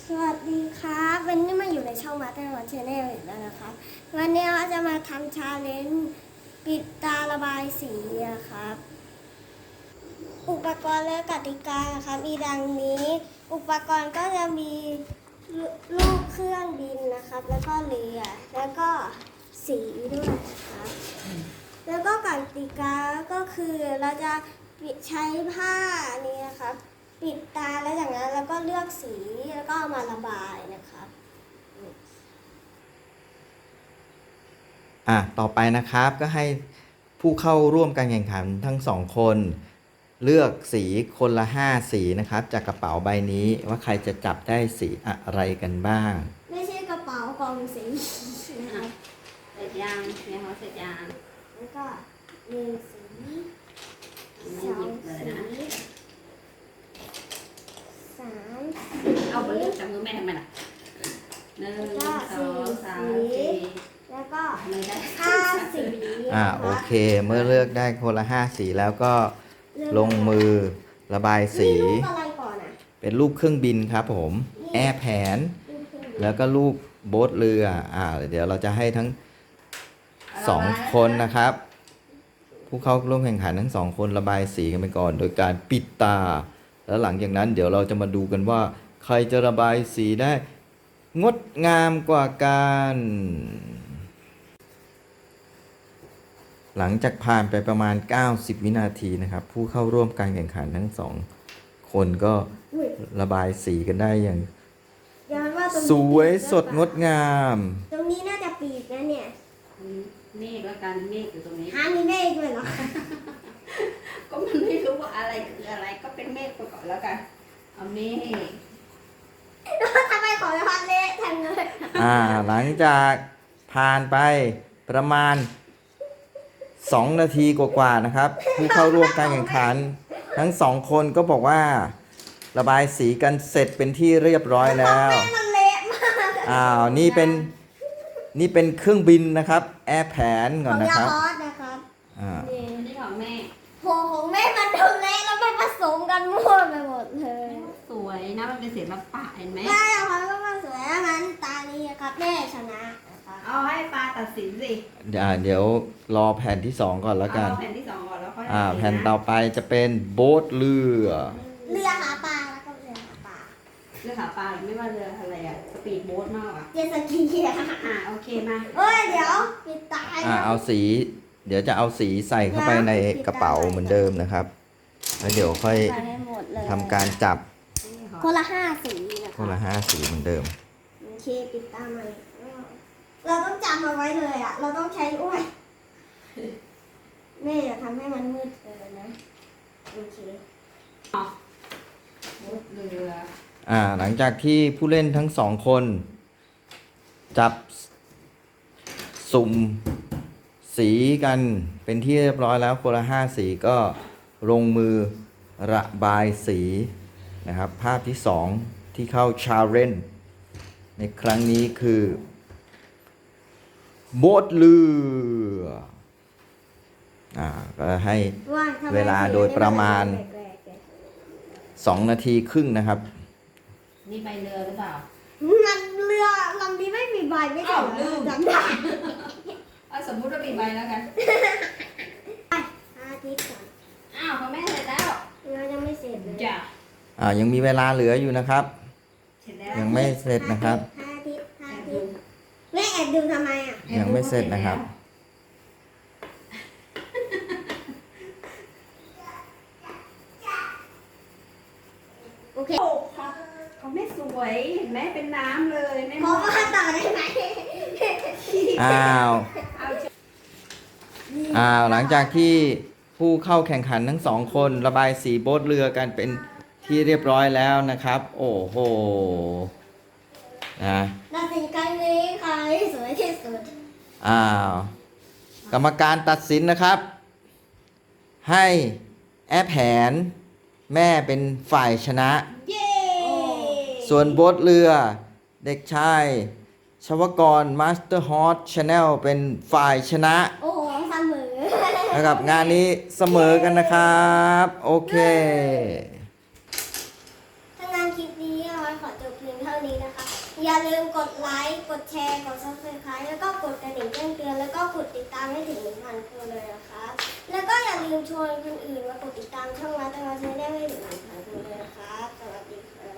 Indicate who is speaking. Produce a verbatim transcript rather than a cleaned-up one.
Speaker 1: สวัสดีครับวันนี้มาอยู่ในช่องมาเตอร์วันชาแนลอีกแล้วนะครับวันนี้เราจะมาทำชาเลนจ์ปิดตาระบายสีนะครับอุปกรณ์และกติกานะครับมีดังนี้อุปกรณ์ก็จะมีลูกเครื่องบินนะครับแล้วก็เรือแล้วก็สีด้วยนะครับแล้วก็กติกาก็คือเราจะใช้ผ้านี้นะครับปิดตาแล้วจากนั้นเราก็เลือกสีแล้วก็เอามาระบายนะครับ
Speaker 2: อ่ะต่อไปนะครับก็ให้ผู้เข้าร่วมการแข่งขันทั้งสองคนเลือกสีคนละห้าสีนะครับจากกระเป๋าใบนี้ว่าใครจะจับได้สีอะไรกันบ้าง
Speaker 1: ไม่ใช่กระเป๋ากล่องสีนะครับ
Speaker 3: เสร็จยังเนี่ยเขาเสร็จยัง
Speaker 1: แล้วก็หนึ่งสีสองสีสาม
Speaker 3: เอาไปเลือกจับมือแม่ทำไมล่ะหนึ่งสองสามสี่
Speaker 1: แล้วก็
Speaker 3: ไม่ได้
Speaker 1: ห้าสี
Speaker 2: อ่าโอเคเมื่อเลือกได้คนละห้าสีแล้วก็ลงมือระบายสีเป็นรูปเครื่องบินครับผมแอร์แผนแล้วก็รูปโบ๊ทเรืออ่าเดี๋ยวเราจะให้ทั้งสองคนนะครับผู้เข้าร่วมแข่งขันทั้งสองคนระบายสีกันไปก่อนโดยการปิดตาแล้วหลังจากนั้นเดี๋ยวเราจะมาดูกันว่าใครจะระบายสีได้งดงามกว่ากันหลังจากผ่านไปประมาณเก้าสิบวินาทีนะครับผู้เข้าร่วมการแข่งขันทั้งสองคนก็ระบายสีกันได้อย่างสวยสดงดงาม
Speaker 1: ตรงนี้น่าจะปีกนะเนี่ย
Speaker 3: เมฆแล้วกันเมฆอยู่ตรงนี้
Speaker 1: ฮะมีเมฆด้วยเหรอ
Speaker 3: ก็มันไม่รู้ว่าอะไรคืออะไรก็เป็นเมฆไปก่อนแล้วกันเอาเมฆ
Speaker 1: ทำไมขอจะพันเละทันเลย
Speaker 2: อ่าหลังจากผ่านไปประมาณสองนาทีกว่าๆนะครับผู้เข้าร่วมการแข่งขันทั้งสองคนก็บอกว่าระบายสีกันเสร็จเป็นที่เรียบร้อยแล้วอ้าวนี่เป็นนี่เป็นเครื่องบินนะครับแอร์แผนก่อนนะครับ
Speaker 3: อ่านี่ของแม่
Speaker 1: โหของแม่มันดูเละแล้วมันผสมกันมั่วไปหมดเลย
Speaker 3: สวยนะมันเป็นศิลปะเห็นไหม
Speaker 1: ใช่ค่ะก็มาสวยแล้วงั้นตานี้ครับแม่ชนะ
Speaker 3: เอาให้ปลาตัดสินสิ
Speaker 2: เดี๋ยวรอแผ่นที่สองก่อนแล้วกัน
Speaker 3: แผ่นที่สองก่อนแล้วค่อย
Speaker 2: อ่าแผ่นต่อไปจะเป็นโบ๊ทเรือ
Speaker 1: เรือหาปลาแล้วก็เรือหาปลา
Speaker 3: เรือหาปลาไม่ว่าเรืออะไรอะสปีดโบ๊ทมากอะ
Speaker 1: เจ็ตสกีอะ
Speaker 3: อ่าโอเคมา
Speaker 1: เอ้ยเดี๋ยวปิดตา
Speaker 2: อ่าเอาสีเดี๋ยวจะเอาสีใส่เข้าไปในกระเป๋าเหมือนเดิมนะครับแล้วเดี๋ยวค่อยทำการจับ
Speaker 1: คนละห้าสี
Speaker 2: คนละห้าสีเหมือนเดิม
Speaker 1: โอเคปิดตาใหม่เราต้องจำเอาไว้เลยอ่ะเราต้องใช้อ้วยแม่อย่าทำให้มันมืดเกินนะโอเค
Speaker 3: เรือ
Speaker 2: อ่าหลังจากที่ผู้เล่นทั้งสองคนจับสุ่มสีกันเป็นที่เรียบร้อยแล้วคนละห้าสีก็ลงมือระบายสีนะครับภาพที่สองที่เข้าชาเลนจ์ในครั้งนี้คือโบ๊ทเรืออ่าก็ให้เวลาโดยประมาณสองนาทีครึ่งนะครับ
Speaker 3: นี่ใบเรือหรือเปล่า
Speaker 1: มันเรือลำนี้ไม่มีใบไม่ใช่ลืมจำได้
Speaker 3: เอาสมมุติว่ามีใบแล้วกัน
Speaker 1: อาทิตย์ก่อน
Speaker 3: อ้าวพ่อแม่เสร็จแล้ว
Speaker 1: เรายังไม่เสร็จเลย
Speaker 3: จ้ะ
Speaker 2: อ่ายังมีเวลาเหลืออยู่นะครับยังไม่เสร็จนะครับ
Speaker 1: แม่แอบดูทำไมอ่ะ
Speaker 2: ยังไม่เสร็จนะครับ
Speaker 1: โอเค
Speaker 3: เขาไม่สวยเห็นไหมเป็นน้ำเลยไม่
Speaker 1: ขอมาต่อได้ไหม
Speaker 2: อ้าวอ้าวหลังจากที่ผู้เข้าแข่งขันทั้งสองคนระบายสีโบ๊ทเรือกันเป็นที่เรียบร้อยแล้วนะครับโอ้โหนะ
Speaker 1: ตัดสินครั้งนี้ใครสวยที่สุด
Speaker 2: อ้าวกรรมการตัดสินนะครับให้แอร์แผนแม่เป็นฝ่ายชนะส่วนโบ๊ทเรือเด็กชายชวกรมาสเตอร์ฮอตชาแนลเป็นฝ่ายชนะ
Speaker 1: โอ้โหเสมอ
Speaker 2: นะครับงานนี้เสมอกันนะครับโอเค
Speaker 1: ถ้างานคลิปนี้เอาไว้ขอจบเพียงเท่านี้นะอย่าลืมกดไลค์ กดแชร์ กดซับสไครต์แล้วก็กดกระดิ่งแจ้งเตือน แล้วก็กดติดตามให้ถึงหนึ่งพันคนเลยนะคะแล้วก็อย่าลืมชวนคนอื่นมากดติดตามช่องวัดตะวันชาแนลให้ถึงหนึ่งพันคนเลยนะคะสวัสดีค่ะ